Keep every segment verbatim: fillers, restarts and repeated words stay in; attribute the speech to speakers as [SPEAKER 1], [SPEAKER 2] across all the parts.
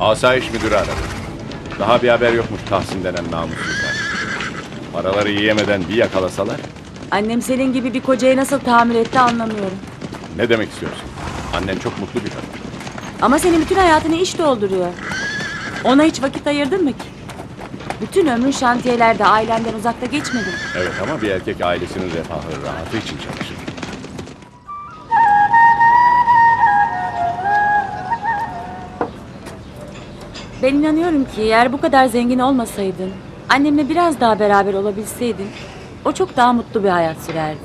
[SPEAKER 1] Asayiş müdürü aradı. Daha bir haber yokmuş Tahsin denen namussuzlar. Paraları yiyemeden bir yakalasalar.
[SPEAKER 2] Annem senin gibi bir kocayı nasıl tahammül etti anlamıyorum.
[SPEAKER 1] Ne demek istiyorsun? Annen çok mutlu bir kadın.
[SPEAKER 2] Ama senin bütün hayatını iş dolduruyor. Ona hiç vakit ayırdın mı ki? Bütün ömrün şantiyelerde, ailenden uzakta geçmedi mi?
[SPEAKER 1] Evet ama bir erkek ailesinin refahı, rahatı için çalışır.
[SPEAKER 2] Ben inanıyorum ki eğer bu kadar zengin olmasaydın, annemle biraz daha beraber olabilseydin, o çok daha mutlu bir hayat sürerdi.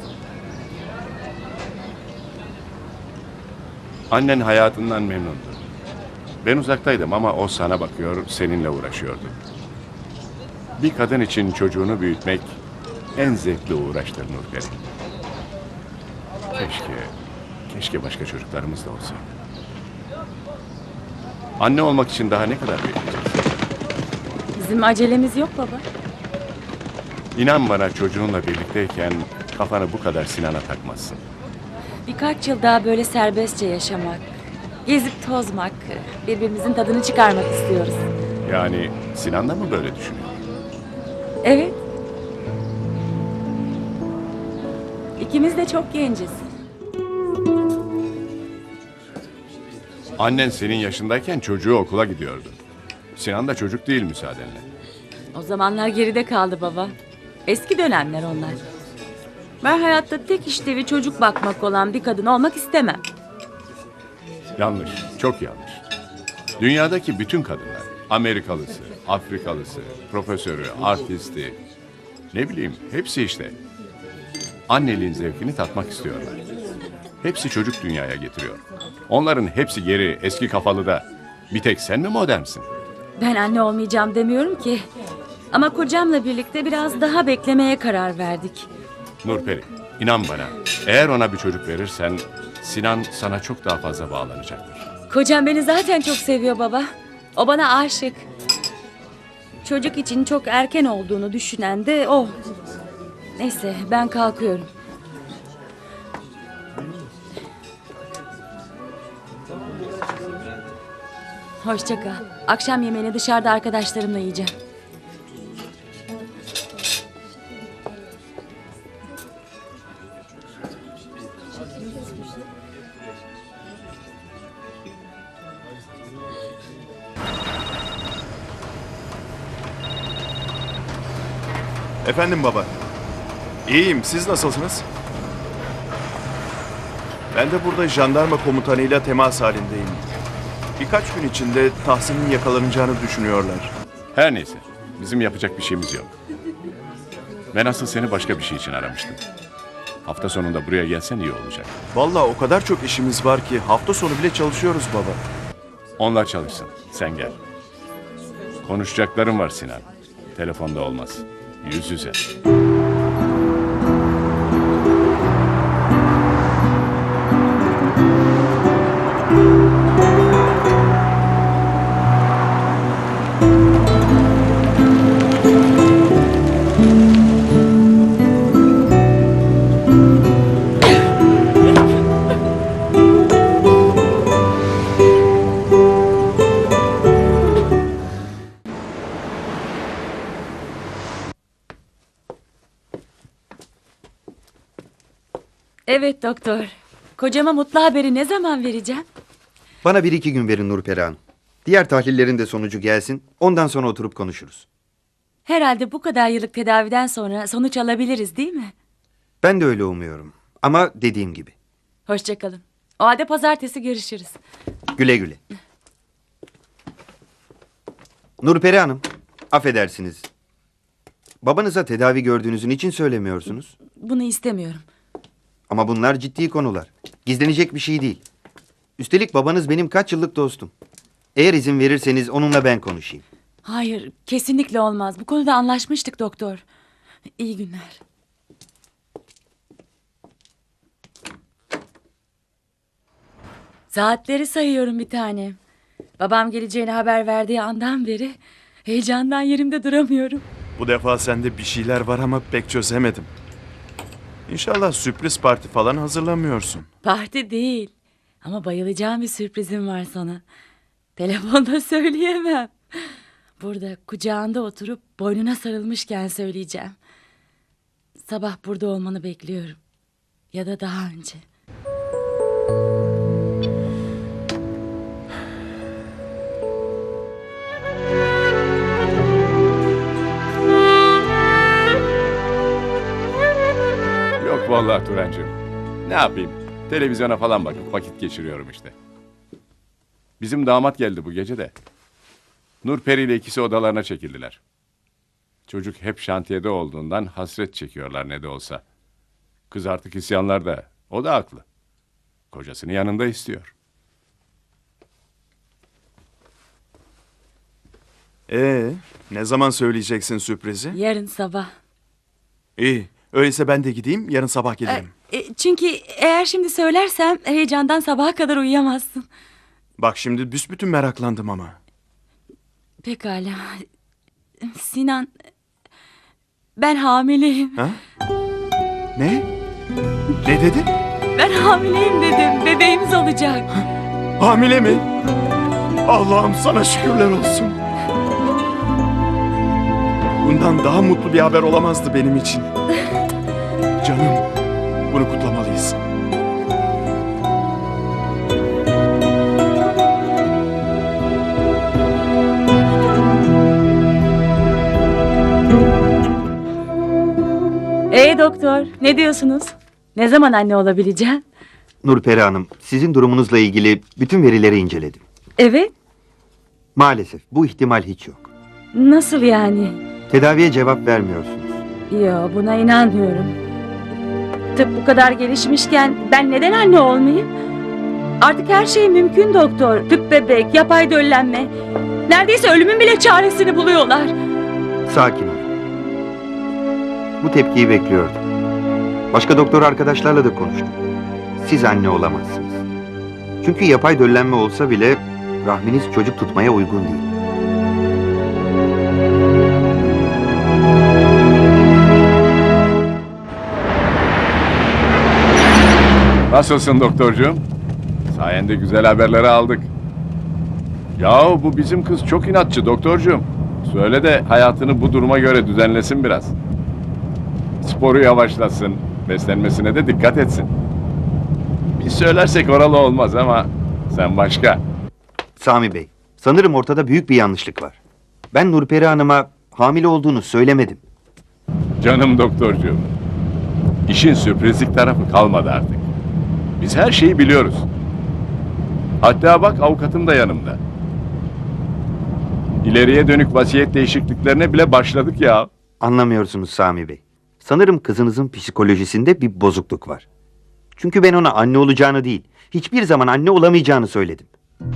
[SPEAKER 1] Annen hayatından memnundu. Ben uzaktaydım ama o sana bakıyor, seninle uğraşıyordu. Bir kadın için çocuğunu büyütmek en zevkli uğraştır Nurperi. Keşke, keşke başka çocuklarımız da olsa. Anne olmak için daha ne kadar bekleyeceğiz?
[SPEAKER 2] Bizim acelemiz yok baba.
[SPEAKER 1] İnan bana çocuğunla birlikteyken kafanı bu kadar Sinan'a takmazsın.
[SPEAKER 2] Birkaç yıl daha böyle serbestçe yaşamak, gezip tozmak, birbirimizin tadını çıkarmak istiyoruz.
[SPEAKER 1] Yani Sinan da mı böyle düşünüyor?
[SPEAKER 2] Evet. İkimiz de çok genciz.
[SPEAKER 1] Annen senin yaşındayken çocuğu okula gidiyordu. Sinan da çocuk değil müsaadenle.
[SPEAKER 2] O zamanlar geride kaldı baba. Eski dönemler onlar. Ben hayatta tek işlevi çocuk bakmak olan bir kadın olmak istemem.
[SPEAKER 1] Yanlış, çok yanlış. Dünyadaki bütün kadınlar, Amerikalısı, Afrikalısı, profesörü, artisti, ne bileyim hepsi işte. Anneliğin zevkini tatmak istiyorlar. Hepsi çocuk dünyaya getiriyor. Onların hepsi geri, eski kafalı da. Bir tek sen mi modernsin?
[SPEAKER 2] Ben anne olmayacağım demiyorum ki. Ama kocamla birlikte biraz daha beklemeye karar verdik.
[SPEAKER 1] Nurperi, inan bana. Eğer ona bir çocuk verirsen Sinan sana çok daha fazla bağlanacaktır.
[SPEAKER 2] Kocam beni zaten çok seviyor baba. O bana aşık. Çocuk için çok erken olduğunu düşünen de o. Neyse ben kalkıyorum. Hoşça kal. Akşam yemeğini dışarıda arkadaşlarımla yiyeceğim.
[SPEAKER 3] Efendim baba. İyiyim, siz nasılsınız? Ben de burada jandarma komutanıyla temas halindeyim. Birkaç gün içinde Tahsin'in yakalanacağını düşünüyorlar.
[SPEAKER 1] Her neyse, bizim yapacak bir şeyimiz yok. Ben asıl seni başka bir şey için aramıştım. Hafta sonunda buraya gelsen iyi olacak.
[SPEAKER 3] Vallahi o kadar çok işimiz var ki hafta sonu bile çalışıyoruz baba.
[SPEAKER 1] Onlar çalışsın, sen gel. Konuşacaklarım var Sinan. Telefonda olmaz, yüz yüze.
[SPEAKER 2] Evet doktor. Kocama mutlu haberi ne zaman vereceğim?
[SPEAKER 4] Bana bir iki gün verin Nurperi Hanım. Diğer tahlillerin de sonucu gelsin. Ondan sonra oturup konuşuruz.
[SPEAKER 2] Herhalde bu kadar yıllık tedaviden sonra sonuç alabiliriz değil mi?
[SPEAKER 4] Ben de öyle umuyorum. Ama dediğim gibi.
[SPEAKER 2] Hoşça kalın. O halde pazartesi görüşürüz.
[SPEAKER 4] Güle güle. Nurperi Hanım, affedersiniz. Babanıza tedavi gördüğünüzün için söylemiyorsunuz.
[SPEAKER 2] Bunu istemiyorum.
[SPEAKER 4] Ama bunlar ciddi konular. Gizlenecek bir şey değil. Üstelik babanız benim kaç yıllık dostum. Eğer izin verirseniz onunla ben konuşayım.
[SPEAKER 2] Hayır, kesinlikle olmaz. Bu konuda anlaşmıştık doktor. İyi günler. Saatleri sayıyorum bir tanem. Babam geleceğini haber verdiği andan beri heyecandan yerimde duramıyorum.
[SPEAKER 3] Bu defa sende bir şeyler var ama pek çözemedim. İnşallah sürpriz parti falan hazırlamıyorsun.
[SPEAKER 2] Parti değil. Ama bayılacağım bir sürprizim var sana. Telefonda söyleyemem. Burada kucağında oturup boynuna sarılmışken söyleyeceğim. Sabah burada olmanı bekliyorum. Ya da daha önce.
[SPEAKER 1] Yok vallahi Turancığım. Ne yapayım? Televizyona falan bakıp vakit geçiriyorum işte. Bizim damat geldi bu gece de. Nurperi ile ikisi odalarına çekildiler. Çocuk hep şantiyede olduğundan hasret çekiyorlar ne de olsa. Kız artık isyanlarda. O da haklı. Kocasını yanında istiyor.
[SPEAKER 3] Ee, ne zaman söyleyeceksin sürprizi?
[SPEAKER 2] Yarın sabah.
[SPEAKER 3] İyi. Öyleyse ben de gideyim, yarın sabah gelirim.
[SPEAKER 2] E, çünkü eğer şimdi söylersem heyecandan sabaha kadar uyuyamazsın.
[SPEAKER 3] Bak şimdi büsbütün meraklandım ama.
[SPEAKER 2] Pekala. Sinan, ben hamileyim.
[SPEAKER 3] Ha? Ne? Ne dedin?
[SPEAKER 2] Ben hamileyim dedim. Bebeğimiz olacak.
[SPEAKER 3] Hamile mi? Allah'ım sana şükürler olsun. Bundan daha mutlu bir haber olamazdı benim için. Canım, bunu kutlamalıyız.
[SPEAKER 2] Ee doktor, ne diyorsunuz? Ne zaman anne olabileceğim?
[SPEAKER 4] Nurperi Hanım, sizin durumunuzla ilgili bütün verileri inceledim.
[SPEAKER 2] Evet.
[SPEAKER 4] Maalesef bu ihtimal hiç yok.
[SPEAKER 2] Nasıl yani?
[SPEAKER 4] Tedaviye cevap vermiyorsunuz.
[SPEAKER 2] Yo, buna inanmıyorum. Tıp bu kadar gelişmişken ben neden anne olmayayım? Artık her şey mümkün doktor. Tüp bebek, yapay döllenme. Neredeyse ölümün bile çaresini buluyorlar.
[SPEAKER 4] Sakin olun. Bu tepkiyi bekliyordum. Başka doktor arkadaşlarla da konuştum. Siz anne olamazsınız. Çünkü yapay döllenme olsa bile rahminiz çocuk tutmaya uygun değil.
[SPEAKER 1] Nasılsın doktorcuğum? Sayende güzel haberleri aldık. Yahu bu bizim kız çok inatçı doktorcuğum. Söyle de hayatını bu duruma göre düzenlesin biraz. Sporu yavaşlasın, beslenmesine de dikkat etsin. Biz söylersek oralı olmaz ama sen başka.
[SPEAKER 4] Sami Bey, sanırım ortada büyük bir yanlışlık var. Ben Nurperi Hanım'a hamile olduğunu söylemedim.
[SPEAKER 1] Canım doktorcuğum. İşin sürprizlik tarafı kalmadı artık. Biz her şeyi biliyoruz. Hatta bak avukatım da yanımda. İleriye dönük vasiyet değişikliklerine bile başladık ya.
[SPEAKER 4] Anlamıyorsunuz Sami Bey. Sanırım kızınızın psikolojisinde bir bozukluk var. Çünkü ben ona anne olacağını değil, hiçbir zaman anne olamayacağını söyledim.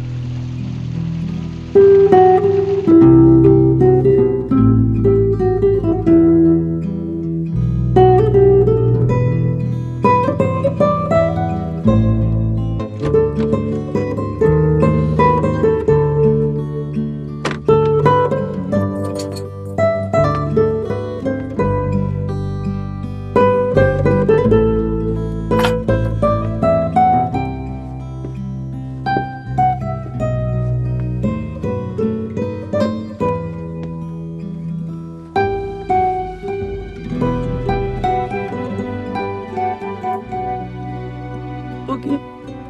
[SPEAKER 2] Bugün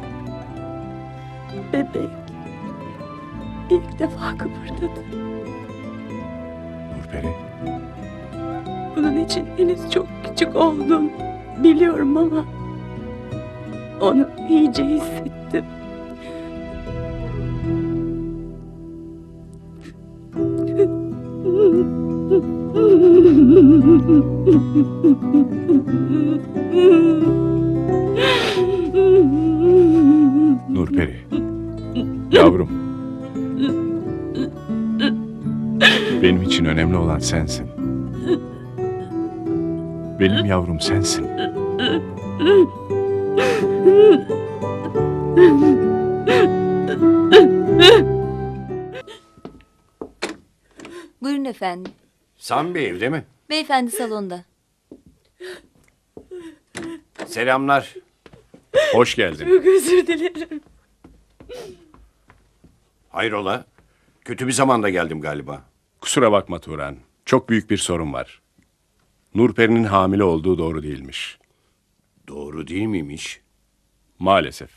[SPEAKER 2] bebek ilk defa kıpırdadı.
[SPEAKER 1] Nurperi,
[SPEAKER 2] Bunun için henüz çok küçük oldum biliyorum ama onu iyice hissettim.
[SPEAKER 1] Nurperi. Yavrum. Benim için önemli olan sensin. Benim yavrum sensin.
[SPEAKER 5] Buyurun efendim.
[SPEAKER 6] Sami Bey evde mi?
[SPEAKER 5] Beyefendi salonda.
[SPEAKER 6] Selamlar.
[SPEAKER 1] Hoş geldin.
[SPEAKER 2] Çok özür dilerim.
[SPEAKER 6] Hayrola? Kötü bir zamanda geldim galiba.
[SPEAKER 1] Kusura bakma Turan. Çok büyük bir sorun var. Nurperi'nin hamile olduğu doğru değilmiş.
[SPEAKER 6] Doğru değil miymiş?
[SPEAKER 1] Maalesef.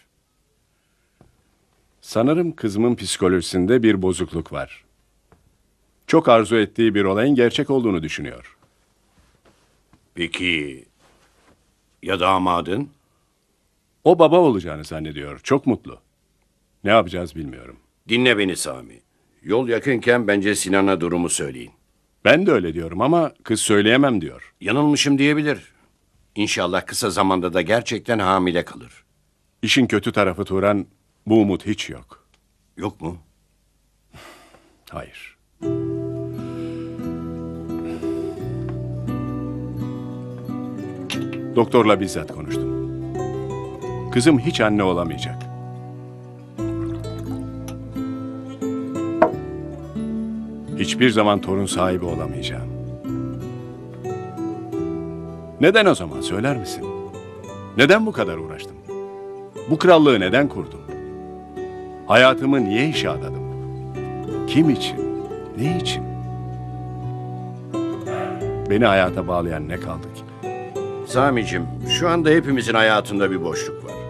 [SPEAKER 1] Sanırım kızımın psikolojisinde bir bozukluk var. Çok arzu ettiği bir olayın gerçek olduğunu düşünüyor.
[SPEAKER 6] Peki ya damadın?
[SPEAKER 1] O baba olacağını zannediyor. Çok mutlu. Ne yapacağız bilmiyorum.
[SPEAKER 6] Dinle beni Sami. Yol yakınken bence Sinan'a durumu söyleyin.
[SPEAKER 1] Ben de öyle diyorum ama kız söyleyemem diyor.
[SPEAKER 6] Yanılmışım diyebilir. İnşallah kısa zamanda da gerçekten hamile kalır.
[SPEAKER 1] İşin kötü tarafı Turan, bu umut hiç yok.
[SPEAKER 6] Yok mu?
[SPEAKER 1] Hayır. Doktorla bizzat konuştum. Kızım hiç anne olamayacak. Hiçbir zaman torun sahibi olamayacağım. Neden o zaman söyler misin? Neden bu kadar uğraştım? Bu krallığı neden kurdum? Hayatımı niye işe adadım? Kim için? Ne için? Beni hayata bağlayan ne kaldı ki?
[SPEAKER 6] Sami'cim, şu anda hepimizin hayatında bir boşluk var.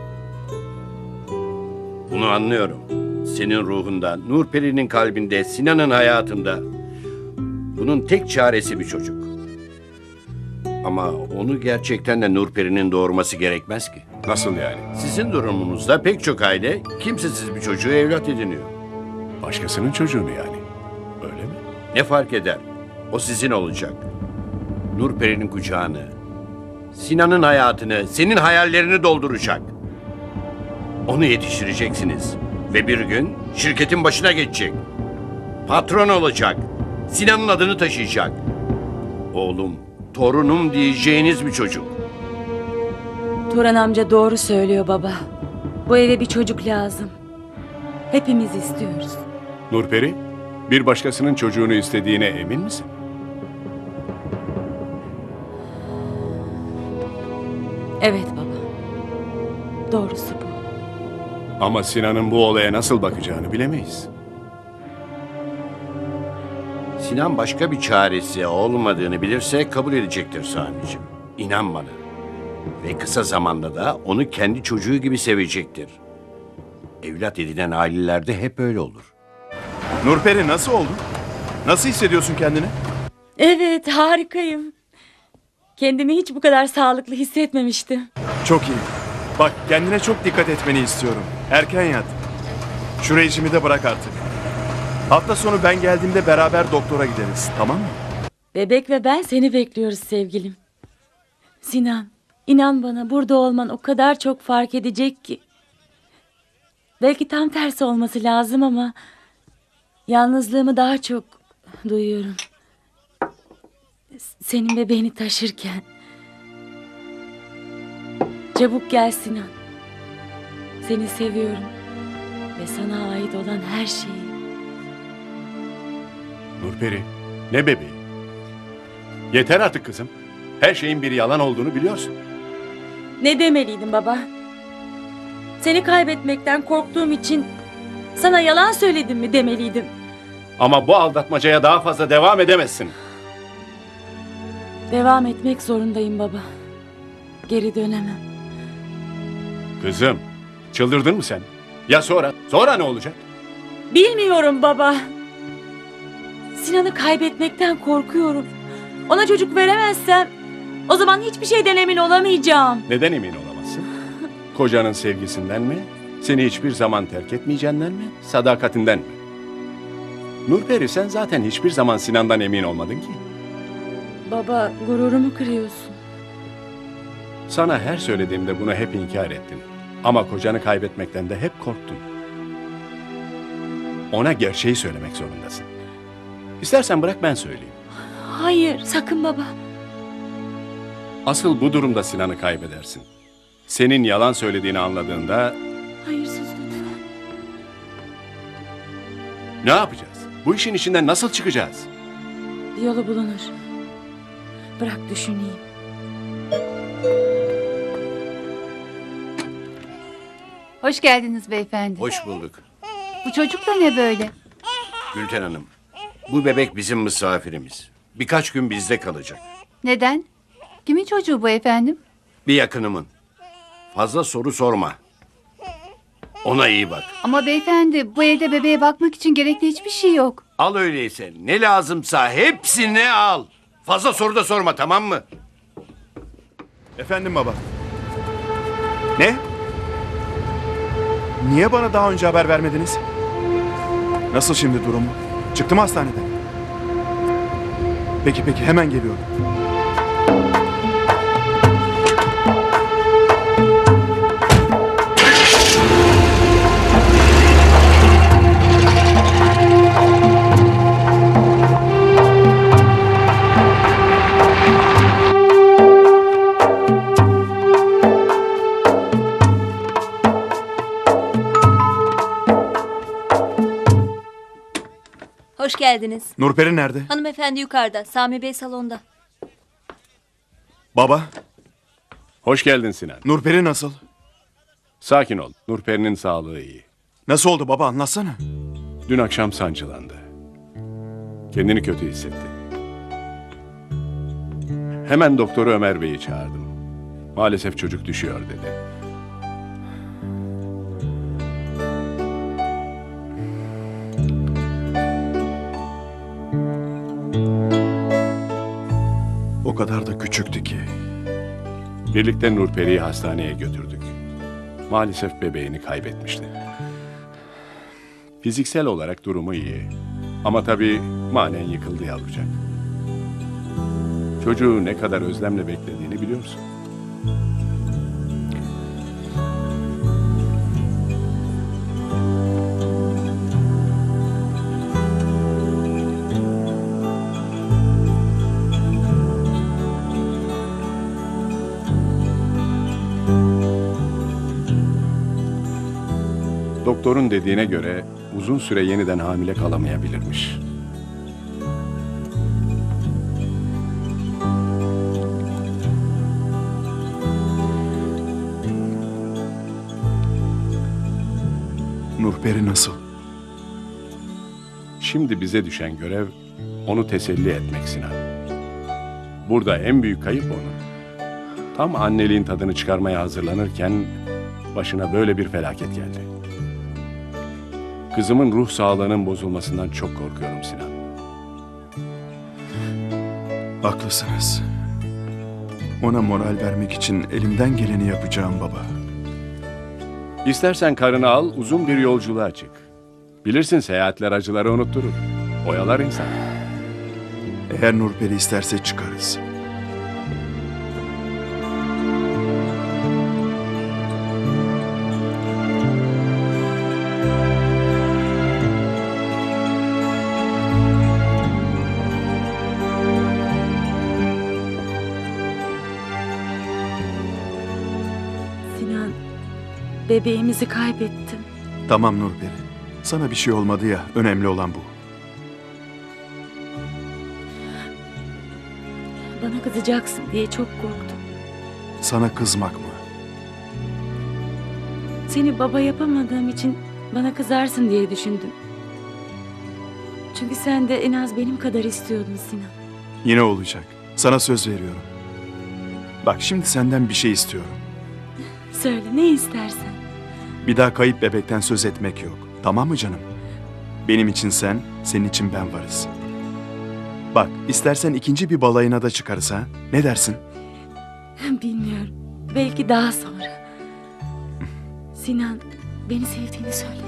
[SPEAKER 6] Bunu anlıyorum. Senin ruhunda, Nurperi'nin kalbinde, Sinan'ın hayatında. Bunun tek çaresi bir çocuk. Ama onu gerçekten de Nurperi'nin doğurması gerekmez ki.
[SPEAKER 1] Nasıl yani?
[SPEAKER 6] Sizin durumunuzda pek çok aile kimsesiz bir çocuğu evlat ediniyor.
[SPEAKER 1] Başkasının çocuğunu yani. Öyle mi?
[SPEAKER 6] Ne fark eder? O sizin olacak. Nurperi'nin kucağını, Sinan'ın hayatını, senin hayallerini dolduracak. Onu yetiştireceksiniz. Ve bir gün şirketin başına geçecek. Patron olacak. Sinan'ın adını taşıyacak. Oğlum, torunum diyeceğiniz bir çocuk.
[SPEAKER 2] Turan amca doğru söylüyor baba. Bu eve bir çocuk lazım. Hepimiz istiyoruz.
[SPEAKER 1] Nurperi, bir başkasının çocuğunu istediğine emin misin?
[SPEAKER 2] Evet baba. Doğrusu bu.
[SPEAKER 1] Ama Sinan'ın bu olaya nasıl bakacağını bilemeyiz.
[SPEAKER 6] Sinan başka bir çaresi olmadığını bilirse kabul edecektir Sami'ciğim. İnan bana. Ve kısa zamanda da onu kendi çocuğu gibi sevecektir. Evlat edinen ailelerde hep öyle olur.
[SPEAKER 3] Nurperi nasıl oldun? Nasıl hissediyorsun kendini?
[SPEAKER 2] Evet, harikayım. Kendimi hiç bu kadar sağlıklı hissetmemiştim.
[SPEAKER 3] Çok iyi. Bak kendine çok dikkat etmeni istiyorum. Erken yat. Şu rejimi de bırak artık. Hafta sonu ben geldiğimde beraber doktora gideriz. Tamam mı?
[SPEAKER 2] Bebek ve ben seni bekliyoruz sevgilim. Sinan, inan bana burada olman o kadar çok fark edecek ki. Belki tam tersi olması lazım ama yalnızlığımı daha çok duyuyorum. Senin bebeğini taşırken. Çabuk gel Sinan. Seni seviyorum ve sana ait olan her şeyi.
[SPEAKER 1] Nurperi, ne bebeği? Yeter artık kızım. Her şeyin bir yalan olduğunu biliyorsun.
[SPEAKER 2] Ne demeliydim baba? Seni kaybetmekten korktuğum için sana yalan söyledim mi demeliydim.
[SPEAKER 1] Ama bu aldatmacaya daha fazla devam edemezsin.
[SPEAKER 2] Devam etmek zorundayım baba. Geri dönemem.
[SPEAKER 1] Kızım, çıldırdın mı sen? Ya sonra? Sonra ne olacak?
[SPEAKER 2] Bilmiyorum baba. Sinan'ı kaybetmekten korkuyorum. Ona çocuk veremezsem o zaman hiçbir şeyden emin olamayacağım.
[SPEAKER 1] Neden emin olamazsın? Kocanın sevgisinden mi? Seni hiçbir zaman terk etmeyeceğinden mi? Sadakatinden mi? Nurperi, sen zaten hiçbir zaman Sinan'dan emin olmadın ki.
[SPEAKER 2] Baba, gururumu kırıyorsun.
[SPEAKER 1] Sana her söylediğimde bunu hep inkar ettin. Ama kocanı kaybetmekten de hep korktun. Ona gerçeği söylemek zorundasın. İstersen bırak ben söyleyeyim.
[SPEAKER 2] Hayır, sakın baba.
[SPEAKER 1] Asıl bu durumda Sinan'ı kaybedersin. Senin yalan söylediğini anladığında
[SPEAKER 2] Hayır, sus lütfen.
[SPEAKER 1] ne yapacağız? Bu işin içinden nasıl çıkacağız?
[SPEAKER 2] Bir yolu bulunur. Bırak düşüneyim.
[SPEAKER 5] Hoş geldiniz beyefendi.
[SPEAKER 6] Hoş bulduk.
[SPEAKER 5] Bu çocuk da ne böyle?
[SPEAKER 6] Gülten Hanım, bu bebek bizim misafirimiz. Birkaç gün bizde kalacak.
[SPEAKER 5] Neden? Kimin çocuğu bu efendim?
[SPEAKER 6] Bir yakınımın. Fazla soru sorma. Ona iyi bak.
[SPEAKER 5] Ama beyefendi bu evde bebeğe bakmak için gerekli hiçbir şey yok.
[SPEAKER 6] Al öyleyse. Ne lazımsa hepsini al. Fazla soru da sorma, tamam mı?
[SPEAKER 3] Efendim baba. Ne? Niye bana daha önce haber vermediniz? Nasıl şimdi durumu? Çıktı mı hastaneden? Peki peki, hemen geliyorum.
[SPEAKER 7] Hoş geldiniz.
[SPEAKER 3] Nurperi nerede?
[SPEAKER 7] Hanımefendi yukarıda. Sami Bey salonda.
[SPEAKER 3] Baba,
[SPEAKER 1] Hoş geldin Sinan.
[SPEAKER 3] Nurperi nasıl?
[SPEAKER 1] Sakin ol. Nurperi'nin sağlığı iyi.
[SPEAKER 3] Nasıl oldu baba, anlatsana.
[SPEAKER 1] Dün akşam sancılandı. Kendini kötü hissetti. Hemen doktoru Ömer Bey'i çağırdım. Maalesef çocuk düşüyor dedi.
[SPEAKER 3] O kadar da küçüktü ki.
[SPEAKER 1] Birlikte Nurperi'yi hastaneye götürdük. Maalesef bebeğini kaybetmişti. Fiziksel olarak durumu iyi. Ama tabii manen yıkıldı yavrucak. Çocuğu ne kadar özlemle beklediğini biliyor musun? Doktorun dediğine göre uzun süre yeniden hamile kalamayabilirmiş.
[SPEAKER 3] Nurperi nasıl?
[SPEAKER 1] Şimdi bize düşen görev onu teselli etmek Sinan. Burada en büyük kayıp onun. Tam anneliğin tadını çıkarmaya hazırlanırken başına böyle bir felaket geldi. Kızımın ruh sağlığının bozulmasından çok korkuyorum Sinan.
[SPEAKER 3] Haklısınız. Ona moral vermek için elimden geleni yapacağım baba.
[SPEAKER 1] İstersen karını al, uzun bir yolculuğa çık. Bilirsin seyahatler acıları unutturur. Oyalar insan.
[SPEAKER 3] Eğer Nurperi isterse çıkarız.
[SPEAKER 2] Sinan, bebeğimizi kaybettim.
[SPEAKER 3] Tamam Nurperi. Sana bir şey olmadı ya, önemli olan bu.
[SPEAKER 2] Bana kızacaksın diye çok korktum.
[SPEAKER 3] Sana kızmak mı?
[SPEAKER 2] Seni baba yapamadığım için bana kızarsın diye düşündüm. Çünkü sen de en az benim kadar istiyordun Sinan.
[SPEAKER 3] Yine olacak. Sana söz veriyorum. Bak şimdi senden bir şey istiyorum.
[SPEAKER 2] Söyle ne istersen.
[SPEAKER 3] Bir daha kayıp bebekten söz etmek yok. Tamam mı canım? Benim için sen, senin için ben varız. Bak, istersen ikinci bir balayına da çıkarız ha. Ne dersin?
[SPEAKER 2] Bilmiyorum. Belki daha sonra. Sinan, beni sevdiğini söyle.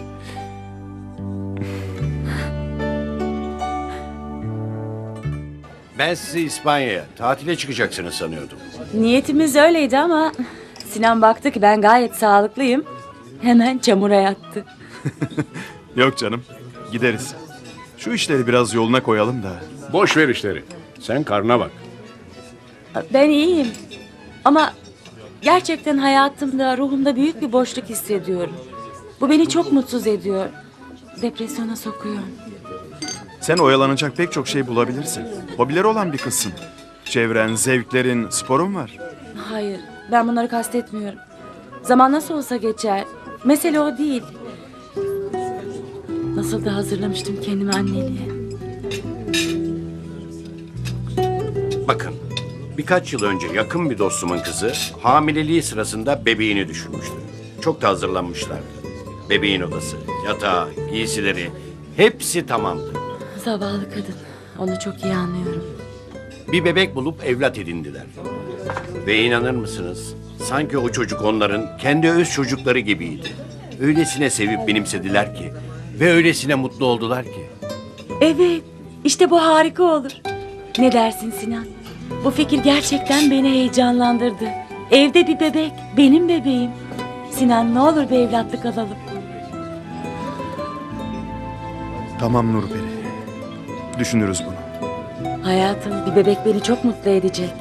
[SPEAKER 6] Ben sizi İspanya'ya tatile çıkacaksınız sanıyordum.
[SPEAKER 2] Niyetimiz öyleydi ama Sinan baktı ki ben gayet sağlıklıyım. Hemen çamura yattı.
[SPEAKER 3] Yok canım, gideriz. Şu işleri biraz yoluna koyalım da.
[SPEAKER 1] Boş ver işleri. Sen karnına bak.
[SPEAKER 2] Ben iyiyim. Ama gerçekten hayatımda, ruhumda büyük bir boşluk hissediyorum. Bu beni çok mutsuz ediyor. Depresyona sokuyor.
[SPEAKER 3] Sen oyalanacak pek çok şey bulabilirsin. Hobileri olan bir kızsın. Çevren, zevklerin, sporun var.
[SPEAKER 2] Hayır, ben bunları kastetmiyorum. Zaman nasıl olsa geçer. Mesele o değil. Nasıl da hazırlamıştım kendimi anneliğe.
[SPEAKER 6] Bakın, birkaç yıl önce yakın bir dostumun kızı hamileliği sırasında bebeğini düşürmüştü. Çok da hazırlanmışlardı. Bebeğin odası, yatağı, giysileri hepsi tamamdı.
[SPEAKER 2] Zavallı kadın. Onu çok iyi anlıyorum.
[SPEAKER 6] Bir bebek bulup evlat edindiler. Ve inanır mısınız? Sanki o çocuk onların kendi öz çocukları gibiydi. Öylesine sevip benimsediler ki ve öylesine mutlu oldular ki.
[SPEAKER 2] Evet. İşte bu harika olur. Ne dersin Sinan? Bu fikir gerçekten beni heyecanlandırdı. Evde bir bebek. Benim bebeğim. Sinan ne olur bir evlatlık alalım.
[SPEAKER 3] Tamam Nurperi. Düşünürüz bunu.
[SPEAKER 2] Hayatım, bir bebek beni çok mutlu edecek.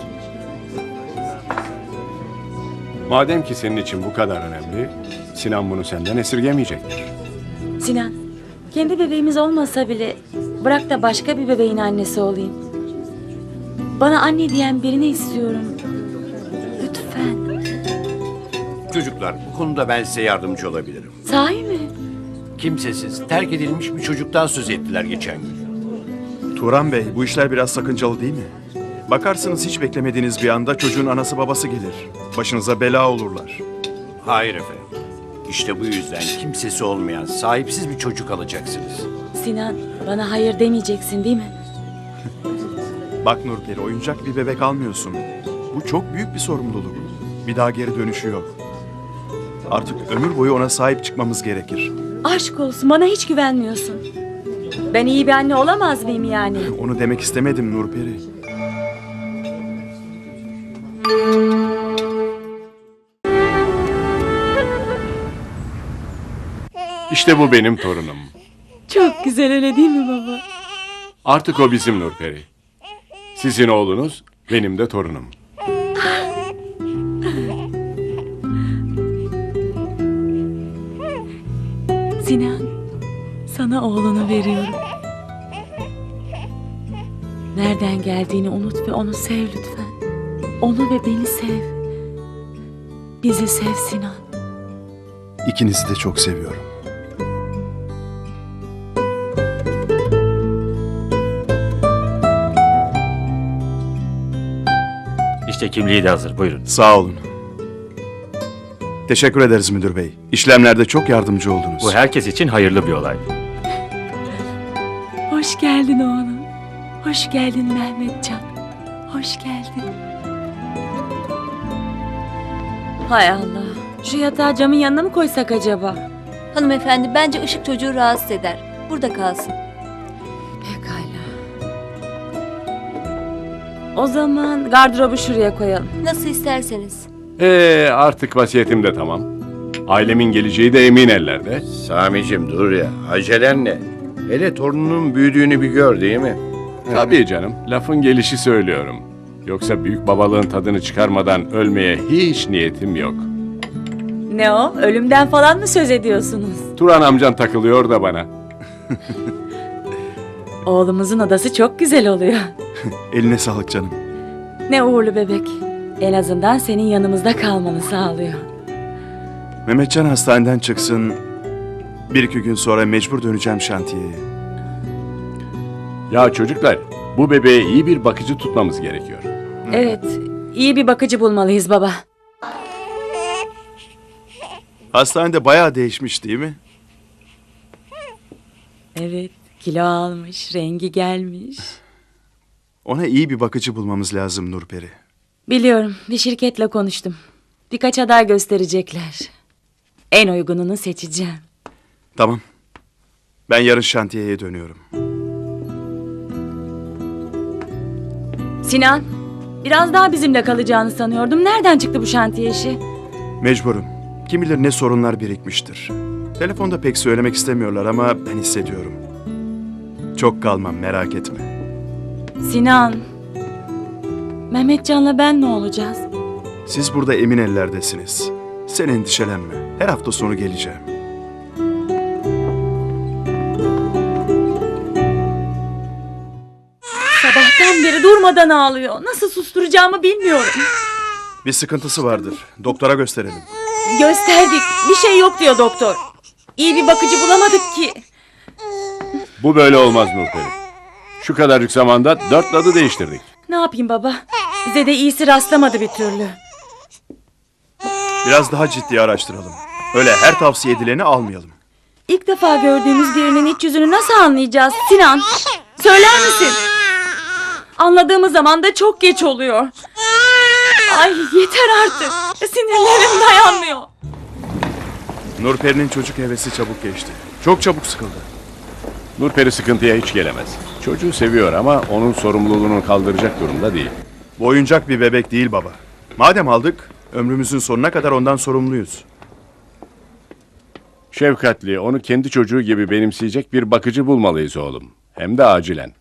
[SPEAKER 1] Madem ki senin için bu kadar önemli, Sinan bunu senden esirgemeyecektir.
[SPEAKER 2] Sinan, kendi bebeğimiz olmasa bile bırak da başka bir bebeğin annesi olayım. Bana anne diyen birini istiyorum. Lütfen.
[SPEAKER 6] Çocuklar, bu konuda ben size yardımcı olabilirim.
[SPEAKER 2] Sahi mi?
[SPEAKER 6] Kimsesiz, terk edilmiş bir çocuktan söz ettiler geçen gün.
[SPEAKER 3] Turan Bey, bu işler biraz sakıncalı değil mi? Bakarsınız hiç beklemediğiniz bir anda çocuğun anası babası gelir. Başınıza bela olurlar.
[SPEAKER 6] Hayır efendim. İşte bu yüzden kimsesi olmayan, sahipsiz bir çocuk alacaksınız.
[SPEAKER 2] Sinan, bana hayır demeyeceksin değil mi?
[SPEAKER 3] Bak Nurperi, oyuncak bir bebek almıyorsun. Bu çok büyük bir sorumluluk. Bir daha geri dönüşü yok. Artık ömür boyu ona sahip çıkmamız gerekir.
[SPEAKER 2] Aşk olsun, bana hiç güvenmiyorsun. Ben iyi bir anne olamaz mıyım yani?
[SPEAKER 3] Onu demek istemedim Nurperi.
[SPEAKER 1] İşte bu benim torunum.
[SPEAKER 2] Çok güzel, öyle değil mi baba?
[SPEAKER 1] Artık o bizim Nurperi. Sizin oğlunuz, benim de torunum.
[SPEAKER 2] Sinan, sana oğlunu veriyorum. Nereden geldiğini unut ve onu sev lütfen. Onu ve beni sev. Bizi sev Sinan.
[SPEAKER 3] İkinizi de çok seviyorum.
[SPEAKER 8] İşte kimliği de hazır. Buyurun.
[SPEAKER 3] Sağ olun. Teşekkür ederiz müdür bey. İşlemlerde çok yardımcı oldunuz.
[SPEAKER 8] Bu herkes için hayırlı bir olay.
[SPEAKER 2] Hoş geldin oğlum. Hoş geldin Mehmetcan. Hoş geldin. Hay Allah. Şu yatağı camın yanına mı koysak acaba?
[SPEAKER 7] Hanımefendi, bence ışık çocuğu rahatsız eder. Burada kalsın.
[SPEAKER 2] Pekala. O zaman gardırobu şuraya koyalım.
[SPEAKER 7] Nasıl isterseniz.
[SPEAKER 1] Ee, artık vasiyetim de tamam. Ailemin geleceği de emin ellerde.
[SPEAKER 6] Sami'cim dur ya, acelen ne? Hele torununun büyüdüğünü bir gör değil mi?
[SPEAKER 1] Tabii canım, lafın gelişi söylüyorum. Yoksa büyük babalığın tadını çıkarmadan ölmeye hiç niyetim yok.
[SPEAKER 2] Ne o? Ölümden falan mı söz ediyorsunuz?
[SPEAKER 1] Turan amcan takılıyor da bana.
[SPEAKER 2] Oğlumuzun odası çok güzel oluyor.
[SPEAKER 3] Eline sağlık canım.
[SPEAKER 2] Ne uğurlu bebek. En azından senin yanımızda kalmanı sağlıyor.
[SPEAKER 3] Mehmetcan hastaneden çıksın. Bir iki gün sonra mecbur döneceğim şantiyeye.
[SPEAKER 1] Ya çocuklar, bu bebeğe iyi bir bakıcı tutmamız gerekiyor.
[SPEAKER 2] Evet, iyi bir bakıcı bulmalıyız baba.
[SPEAKER 3] Hastanede bayağı değişmiş değil mi?
[SPEAKER 2] Evet, kilo almış, rengi gelmiş.
[SPEAKER 3] Ona iyi bir bakıcı bulmamız lazım Nurperi.
[SPEAKER 2] Biliyorum, bir şirketle konuştum. Birkaç aday gösterecekler. En uygununu seçeceğim.
[SPEAKER 3] Tamam. Ben yarın şantiyeye dönüyorum.
[SPEAKER 2] Sinan, biraz daha bizimle kalacağını sanıyordum. Nereden çıktı bu şantiye işi?
[SPEAKER 3] Mecburum. Kim bilir ne sorunlar birikmiştir. Telefonda pek söylemek istemiyorlar ama ben hissediyorum. Çok kalmam, merak etme.
[SPEAKER 2] Sinan, Mehmetcan'la ben ne olacağız?
[SPEAKER 3] Siz burada emin ellerdesiniz. Sen endişelenme. Her hafta sonu geleceğim.
[SPEAKER 2] Sabahtan beri durmadan ağlıyor. Nasıl susturacağımı bilmiyorum.
[SPEAKER 3] Bir sıkıntısı vardır. Doktora gösterelim.
[SPEAKER 2] Gösterdik. Bir şey yok diyor doktor. İyi bir bakıcı bulamadık ki.
[SPEAKER 1] Bu böyle olmaz Nurperi. Şu kadarcık zamanda dört dadı değiştirdik.
[SPEAKER 2] Ne yapayım baba? Bize de iyisi rastlamadı bir türlü.
[SPEAKER 3] Biraz daha ciddi araştıralım. Öyle her tavsiye edileni almayalım.
[SPEAKER 2] İlk defa gördüğümüz birinin iç yüzünü nasıl anlayacağız Sinan? Söyler misin? Anladığımız zaman da çok geç oluyor. Ay yeter artık. Sinirlerim dayanmıyor.
[SPEAKER 3] Nurperi'nin çocuk hevesi çabuk geçti. Çok çabuk sıkıldı.
[SPEAKER 1] Nurperi sıkıntıya hiç gelemez. Çocuğu seviyor ama onun sorumluluğunu kaldıracak durumda değil.
[SPEAKER 3] Bu oyuncak bir bebek değil baba. Madem aldık, ömrümüzün sonuna kadar ondan sorumluyuz.
[SPEAKER 1] Şefkatli, onu kendi çocuğu gibi benimseyecek bir bakıcı bulmalıyız oğlum. Hem de acilen.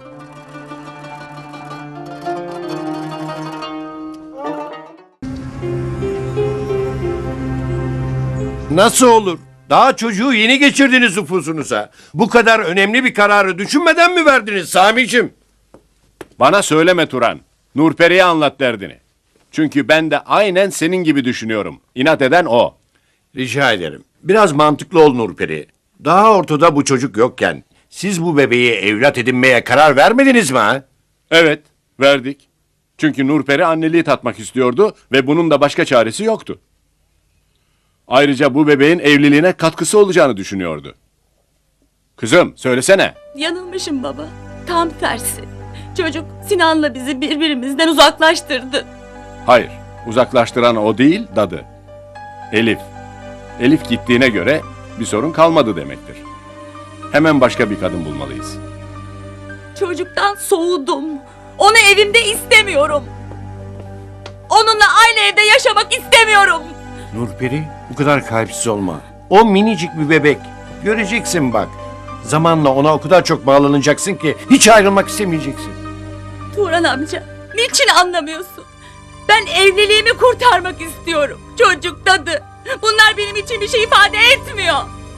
[SPEAKER 6] Nasıl olur? Daha çocuğu yeni geçirdiniz nüfusunuza. Bu kadar önemli bir kararı düşünmeden mi verdiniz Sami'cim?
[SPEAKER 1] Bana söyleme Turan. Nurperi'ye anlat derdini. Çünkü ben de aynen senin gibi düşünüyorum. İnat eden o.
[SPEAKER 6] Rica ederim. Biraz mantıklı ol Nurperi. Daha ortada bu çocuk yokken siz bu bebeği evlat edinmeye karar vermediniz mi ha?
[SPEAKER 1] Evet, verdik. Çünkü Nurperi anneliği tatmak istiyordu ve bunun da başka çaresi yoktu. Ayrıca bu bebeğin evliliğine katkısı olacağını düşünüyordu. Kızım, söylesene.
[SPEAKER 2] Yanılmışım baba. Tam tersi. Çocuk Sinan'la bizi birbirimizden uzaklaştırdı.
[SPEAKER 1] Hayır, uzaklaştıran o değil, dadı. Elif. Elif gittiğine göre bir sorun kalmadı demektir. Hemen başka bir kadın bulmalıyız.
[SPEAKER 2] Çocuktan soğudum. Onu evimde istemiyorum. Onunla aynı evde yaşamak istemiyorum.
[SPEAKER 6] Nurperi, bu kadar kalpsiz olma. O minicik bir bebek. Göreceksin bak. Zamanla ona o kadar çok bağlanacaksın ki hiç ayrılmak istemeyeceksin.
[SPEAKER 2] Turan amca, niçin anlamıyorsun? Ben evliliğimi kurtarmak istiyorum. Çocuk, dadı. Bunlar benim için bir şey ifade etmiyor.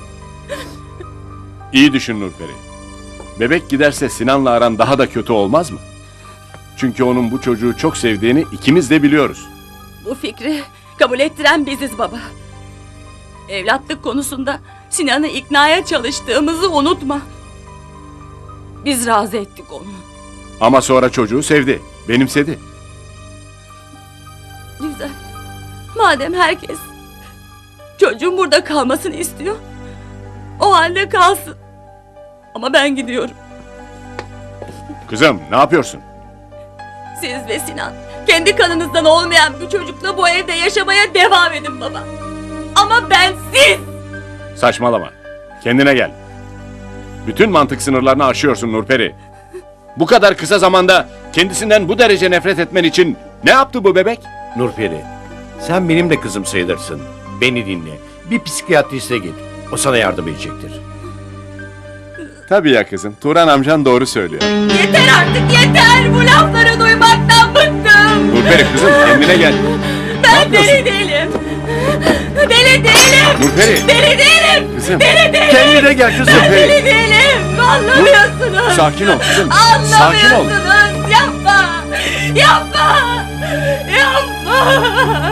[SPEAKER 1] İyi düşün Nurperi. Bebek giderse Sinan'la aran daha da kötü olmaz mı? Çünkü onun bu çocuğu çok sevdiğini ikimiz de biliyoruz.
[SPEAKER 2] Bu fikri kabul ettiren biziz baba. Evlatlık konusunda Sinan'ı iknaya çalıştığımızı unutma. Biz razı ettik onu.
[SPEAKER 1] Ama sonra çocuğu sevdi, benimsedi.
[SPEAKER 2] Güzel. Madem herkes çocuğun burada kalmasını istiyor, o halde kalsın. Ama ben gidiyorum.
[SPEAKER 1] Kızım, ne yapıyorsun?
[SPEAKER 2] Siz ve Sinan kendi kanınızdan olmayan bir çocukla bu evde yaşamaya devam edin baba. Ama ben siz...
[SPEAKER 1] Saçmalama. Kendine gel. Bütün mantık sınırlarını aşıyorsun Nurperi. Bu kadar kısa zamanda kendisinden bu derece nefret etmen için ne yaptı bu bebek?
[SPEAKER 6] Nurperi, sen benim de kızım sayılırsın. Beni dinle. Bir psikiyatriste git. O sana yardım edecektir.
[SPEAKER 1] Tabii ya kızım. Turan amcan doğru söylüyor.
[SPEAKER 2] Yeter artık yeter! Bu lafları duymaktan bıktım!
[SPEAKER 1] Nurperi kızım kendine gel.
[SPEAKER 2] Ben deli değilim! Deli değilim!
[SPEAKER 1] Nurperi.
[SPEAKER 2] Deli değilim!
[SPEAKER 1] Kızım.
[SPEAKER 2] Deli değilim!
[SPEAKER 6] Kendine gel kızım.
[SPEAKER 2] Ben deli değilim! Anlamıyorsunuz!
[SPEAKER 1] Sakin ol kızım. Sakin ol.
[SPEAKER 2] Anlamıyorsunuz! Yapma! Yapma! Yapma!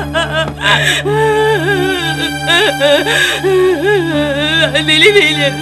[SPEAKER 2] Deli değilim!